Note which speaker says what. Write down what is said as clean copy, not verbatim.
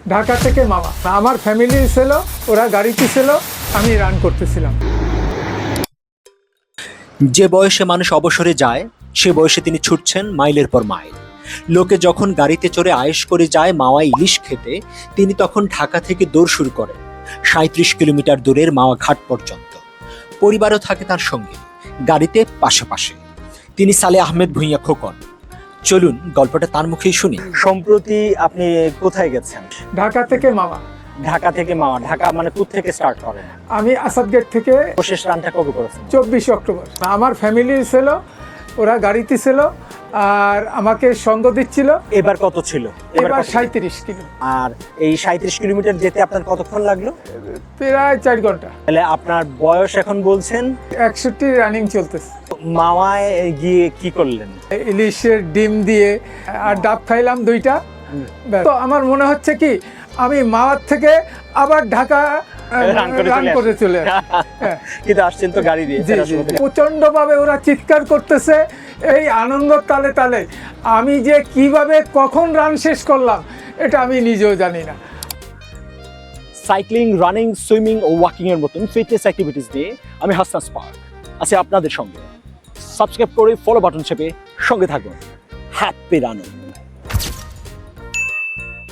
Speaker 1: ঢাকা থেকে মামা, আমার ফ্যামিলি ছিল, ওরা গাড়িতে ছিল, আমি রান করতেছিলাম।
Speaker 2: যে বয়সে মানুষ অবসরে যায় সে বয়সে তিনি ছুটছেন মাইলের পর মাইল। লোকে যখন গাড়িতে চড়ে আয়েশ করে যায় মাওয়া ইলিশ খেতে, তিনি তখন ঢাকা থেকে দৌড় শুরু করেন ৩৭ কিলোমিটার দূরের মাওয়া ঘাট পর্যন্ত। পরিবারও থাকে তার সঙ্গে, গাড়িতে পাশাপাশি। তিনি সালে আহমেদ ভূঁইয়া খোকন। চলুন গল্পটা তার মুখেই শুনি।
Speaker 3: সম্প্রতি আপনি কোথায় গেছেন?
Speaker 1: ঢাকা থেকে মামা।
Speaker 3: ঢাকা থেকে মাওয়া। ঢাকা মানে কোথা থেকে স্টার্ট করেন?
Speaker 1: আমি আসাদ গেট থেকে
Speaker 3: শেষ রানটা কবে করেছেন?
Speaker 1: 24 অক্টোবর। আমার ফ্যামিলি ছিল, ওরা গাড়িতে ছিল, আর আমাকে সঙ্গ দিচ্ছিল।
Speaker 3: এবার কত ছিল?
Speaker 1: এবার
Speaker 3: কত?
Speaker 1: 37 কিলো।
Speaker 3: আর এই 37 কিলোমিটার যেতে আপনার কতক্ষণ লাগলো?
Speaker 1: প্রায় 4 ঘন্টা।
Speaker 3: তাহলে আপনার বয়স এখন বলছেন
Speaker 1: 61 রানিং চলতেছে।
Speaker 3: মাওয়ায় গিয়ে কি করলেন?
Speaker 1: ইলিশের ডিম দিয়ে আর ডাব খাইলাম 2টা। তো আমার মনে হচ্ছে কি আমি মাওয়ার থেকে আবার ঢাকা রান করে চলে আসি।
Speaker 3: কিন্তু আসছেন তো গাড়ি দিয়ে।
Speaker 1: প্রচন্ড ভাবে ওরা চিৎকার করতেছে, এই আনন্দ তালে তালে আমি যে কিভাবে কখন রান শেষ করলাম এটা আমি নিজেও জানি না।
Speaker 3: সাইক্লিং, রানিং, সুইমিং ও ওয়াকিং এর মতন ফিটনেস অ্যাক্টিভিটিস দিয়ে আমি হাসনাস পার্ক আছি আপনাদের সঙ্গে। সাবস্ক্রাইব করে ফলো বাটন চেপে সঙ্গে থাকুন। Happy running.